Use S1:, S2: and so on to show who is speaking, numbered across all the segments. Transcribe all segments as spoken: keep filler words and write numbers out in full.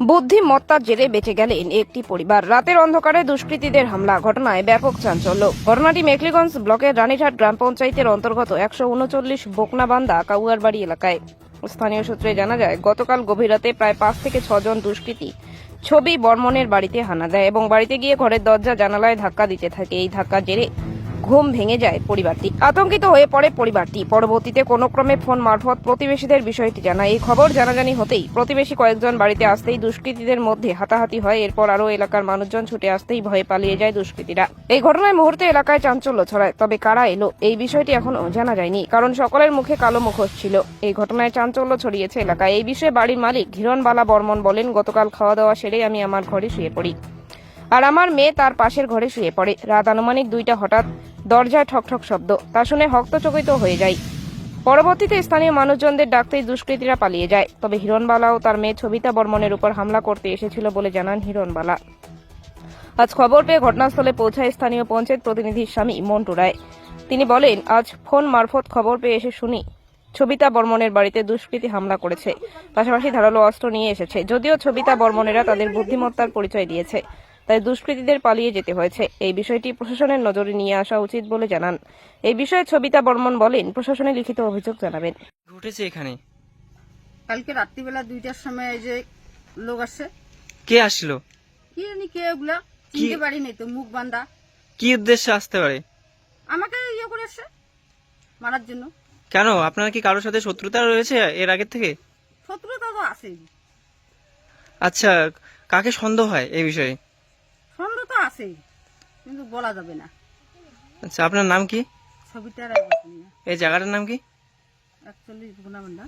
S1: বুদ্ধিমত্তার জেরে বেঁচে গেলেন একটি পরিবার। রাতের অন্ধকারে দুষ্কৃতীদের হামলা, ঘটনায় ব্যাপক চাঞ্চল্য। ঘটনাটি মেখলিগঞ্জ ব্লকের রানীঘাট গ্রাম পঞ্চায়েতের অন্তর্গত একশো উনচল্লিশ বোকনাবান্ধা কাউয়ারবাড়ি এলাকায়। স্থানীয় সূত্রে জানা যায়, গতকাল গভীর রাতে প্রায় পাঁচ থেকে ছজন দুষ্কৃতী ছবি বর্মনের বাড়িতে হানা দেয় এবং বাড়িতে গিয়ে ঘরের দরজা জানালায় ধাক্কা দিতে থাকে। এই ধাক্কার জেরে ঘুম ভেঙে যায় পরিবারটি। আতঙ্কিত হয়ে পড়ে পরিবারটি। পরবর্তীতে কোনো ক্রমে ফোন মারফত প্রতিবেশীদের বিষয়টি জানায়। এই খবর জানাজানি হতেই প্রতিবেশী কয়েকজন বাড়িতে আসতেই দুষ্কৃতীদের মধ্যে হাতাহাতি হয়। এরপর আরও এলাকার মানুষজন ছুটে আসতেই ভয়ে পালিয়ে যায় দুষ্কৃতীরা। এই ঘটনায় মুহূর্তে এলাকায় চাঞ্চল্য ছড়ায়। তবে কারা এলো এই বিষয়টি এখনো জানা যায়নি, কারণ সকলের মুখে কালো মুখোশ ছিল। এই ঘটনায় চাঞ্চল্য ছড়িয়েছে এলাকায়। এই বিষয়ে বাড়ির মালিক হিরণবালা বর্মন বলেন, গতকাল খাওয়া দাওয়া সেরে আমি আমার ঘরে শুয়ে পড়ি, আর আমার মেয়ে তার পাশের ঘরে শুয়ে পড়ে। রাত আনুমানিক দুইটা হঠাৎ দরজায় ঠকঠক শব্দ, তা শুনে হক্তচকিত হয়ে যায়। পরবর্তীতে স্থানীয় মানুষজনদের ডাকতেই দুষ্কৃতীরা পালিয়ে যায়। তবে হিরণবালা ও তার মেয়ে ছবিতা বর্মনের উপর হামলা করতে এসেছিল বলে জানান হিরণবালা। আজ খবর পেয়ে ঘটনাস্থলে পৌঁছায় স্থানীয় পঞ্চায়েত প্রতিনিধির স্বামী মন্টু রায়। তিনি বলেন, আজ ফোন মারফত খবর পেয়ে এসে শুনি ছবিতা বর্মনের বাড়িতে দুষ্কৃতী হামলা করেছে, পাশাপাশি ধারালো অস্ত্র নিয়ে এসেছে। যদিও ছবিতা বর্মনেরা তাদের বুদ্ধিমত্তার পরিচয় দিয়েছে, তাই দুষ্কৃতীদের পালিয়ে যেতে হয়েছে। এই বিষয়টি প্রশাসনের নজরে নিয়ে আসা উচিত বলে জানান। এই বিষয়ে ছবিতা বর্মন বলেন, প্রশাসনে লিখিত অভিযোগ জানাবেন।
S2: ঘটেছে এখানে
S3: কালকে রাত্রিবেলা দুইটার সময় এই যে লোক আসছে।
S2: কে আসলো?
S3: কি জানি কে ওগুলা, চিনতে পারিনি তো, মুখ বান্ধা।
S2: কি উদ্দেশ্যে আসতে পারে?
S3: আমাকে ইয়ে করে আসছে মারার জন্য।
S2: কেন, আপনার কি কারোর সাথে শত্রুতা রয়েছে এর আগের থেকে?
S3: শত্রুতা তো আছেই।
S2: আচ্ছা, কাকে সন্দেহ হয় এই বিষয়ে?
S3: সন্দেহ তো আছেই, কিন্তু বলা যাবে না।
S2: আচ্ছা, আপনার নাম কি?
S3: ছবিটার
S2: এই জায়গাটার নাম কি?
S3: একচল্লিশ গুণাবন্ধা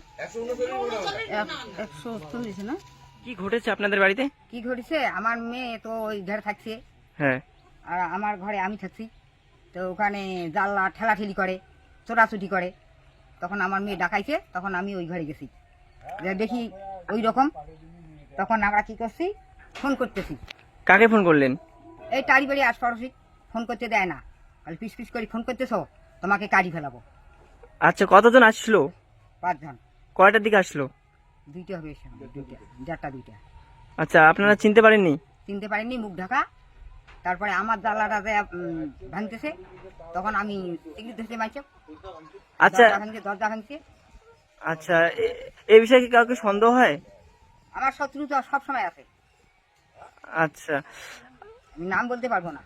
S3: একশো চল্লিশ না।
S2: কি ঘটেছে আপনাদের বাড়িতে?
S3: কি ঘটেছে, আমার মেয়ে তো ওই ঘরে থাকছে,
S2: হ্যাঁ,
S3: আর আমার ঘরে আমি থাকছি। তো ওখানে জানলা ঠেলাঠেলি করে, চোরাচুটি করে। তখন আমার মেয়ে ডাকাইছে, তখন আমি ওই ঘরে গেছি, দেখি ওই রকম। তখন আমরা কি করছি, ফোন করতেছি।
S2: কাকে ফোন করলেন?
S3: এই টাড়ি বাড়ি আশপাশি ফোন করতে দেয় না, খালি পিস পিস করে ফোন করতেছ, তোমাকে কাড়ি ফেলাবো।
S2: আচ্ছা, কতজন আসছিল?
S3: পাঁচজন।
S2: কয়টার দিকে আসলো?
S3: দুইটা হবে, দুইটা চারটা দুইটা।
S2: আচ্ছা, আপনারা চিনতে পারেননি?
S3: চিনতে পারিনি, মুখ ঢাকা। তারপরে আমার জানলাটা ভাঙতেছে, তখন আমি দেখতে মাইছে।
S2: আচ্ছা
S3: দরজা ভাঙছে।
S2: আচ্ছা, এই বিষয়ে কি কাউকে সন্দেহ হয়?
S3: আমার শত্রু তো সবসময় আছে।
S2: আচ্ছা,
S3: আমি নাম বলতে পারবো না।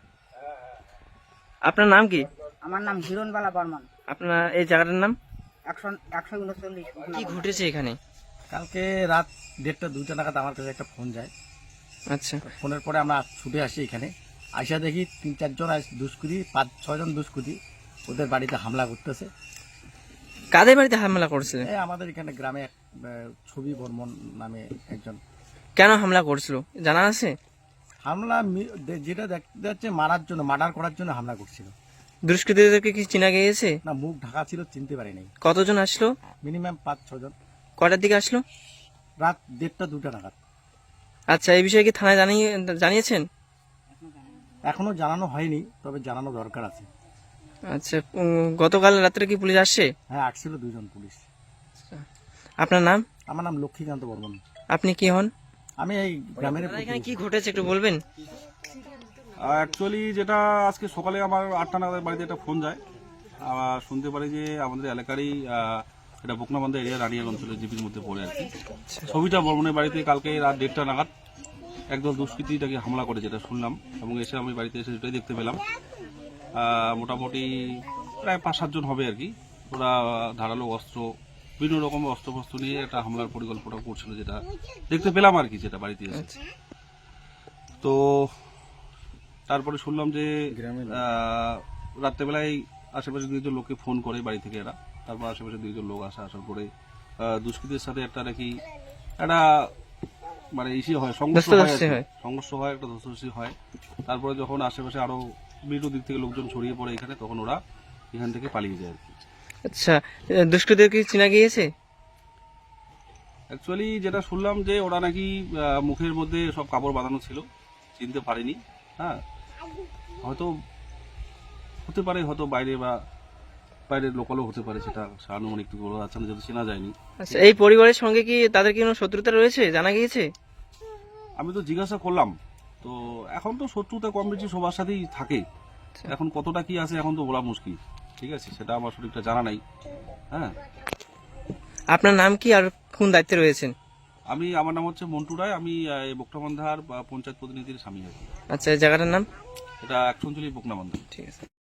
S2: আপনার নাম কি?
S3: আমার নাম হিরণবালা বর্মন।
S2: আপনার এই জায়গাটার নাম?
S3: একশো একশো উনচল্লিশ।
S2: কি ঘটেছে এখানে?
S4: কালকে রাত দেড়টা দুইটা নাগাদ আমার কাছে একটা ফোন যায়।
S2: আচ্ছা,
S4: ফোনের পরে আমরা ছুটে আসি এখানে। আইসা দেখি তিন চারজন দুষ্কৃতী, পাঁচ ছয়জন দুষ্কৃতী ওদের বাড়িতে হামলা করতেছে।
S2: কাদের বাড়িতে হামলা করছিল?
S4: এই আমাদের এখানে গ্রামে এক, আহ, ছবি বর্মন নামে একজন।
S2: কেন হামলা করছিল জানা আছে?
S4: হামলা মি- দে- যেটা দেখতে যাচ্ছে মারার জন্য, মার্ডার করার জন্য হামলা করছিল।
S2: দুষ্কৃতীদেরকে কি চিনা গিয়েছে?
S4: না, মুখ ঢাকা ছিল, চিনতে পারি নাই।
S2: কতজন আসলো?
S4: মিনিমাম পাঁচ ছজন।
S2: কয়টার দিকে আসলো?
S4: রাত দেড়টা দুটা নাগাদ।
S2: আচ্ছা, এই বিষয়ে কি থানায় জানিয়ে জানিয়েছেন?
S4: এখনো জানানো হয়নি, তবে জানানো দরকার আছে।
S2: আচ্ছা, উম, গতকাল রাত্রে কি পুলিশ আসছে?
S4: হ্যাঁ, আসছিল দুজন পুলিশ।
S2: আপনার নাম?
S4: আমার নাম লক্ষ্মীকান্ত বর্মন।
S2: আপনি কি হন?
S4: আমি এই গ্রামের।
S2: এখানে কি ঘটেছে একটু বলবেন?
S5: অ্যাকচুয়ালি যেটা আজকে সকালে আমার আটটা নাগাদ বাড়িতে একটা ফোন যায়, আবার শুনতে পারি যে আমাদের এলাকারই আহ, এটা বোকনাবান্ধা এরিয়া রানিয়াল অঞ্চলের জিপির মধ্যে পড়ে আর কি। ছবিটা বর্মনের বাড়িতে কালকে রাত দেড়টা নাগাদ একদল দুষ্কৃতীটাকে হামলা করে, যেটা শুনলাম, এবং এসে আমি বাড়িতে এসে সেটাই দেখতে পেলাম। আহ, মোটামুটি প্রায় পাঁচ সাতজন হবে আর কি। ওরা ধারালো অস্ত্র, বিভিন্ন রকম অস্ত্র ফস্ত্র নিয়ে একটা হামলার পরিকল্পনা করছিল, যেটা দেখতে পেলাম আর কি, যেটা বাড়িতে এসে। তো তারপরে শুনলাম যে আহ, রাত্রেবেলায় আশেপাশে দুইজন লোককে ফোন করে বাড়ি থেকে এরা। তারপর আশেপাশে দুইজন লোক আসা আসার পরে আহ, দুষ্কৃতীদের সাথে একটা নাকি একটা মানে ইসি হয়, সংঘর্ষ হয় আর কি। সংঘর্ষ হয়, একটা ধস্তাধস্তি হয়। তারপরে যখন আশেপাশে আরো বিভিন্ন দিক থেকে লোকজন ছড়িয়ে পড়ে এখানে, তখন ওরা এখান থেকে পালিয়ে যায় আর কি।
S2: আচ্ছা, দুষ্কৃতীদের কি চিনা গিয়েছে?
S5: অ্যাকচুয়ালি যেটা শুনলাম যে ওরা নাকি আহ, মুখের মধ্যে সব কাপড় বাঁধানো ছিল, চিনতে পারিনি। হ্যাঁ, হয়তো হতে পারে, হয়তো বাইরে বা বাইরের লোকালও হতে পারে, সেটা আনুমানিক বলা যাচ্ছে না, যেহেতু চেনা যায়নি।
S2: আচ্ছা, এই পরিবারের সঙ্গে কি তাদের কি কোনো শত্রুতা রয়েছে জানা গিয়েছে?
S5: আমি তো জিজ্ঞাসা করলাম, তো এখন তো শত্রুতা কম বেশি সবার সাথেই থাকে, এখন কতটা কি আছে এখন তো বলা মুশকিল, ঠিক আছে, সেটা আমার সঠিকটা জানা নাই। হ্যাঁ,
S2: আপনার নাম কি আর কোন দায়িত্বে রয়েছেন?
S5: আমি আমার নাম হচ্ছে মন্টু রায়, আমি আহ, এই বকনাবান্ধার পঞ্চায়েত প্রতিনিধির স্বামী আছি।
S2: আচ্ছা, এই জায়গাটার নাম?
S5: এটা একচল্লিশ বকনাবান্ধা।
S2: ঠিক আছে।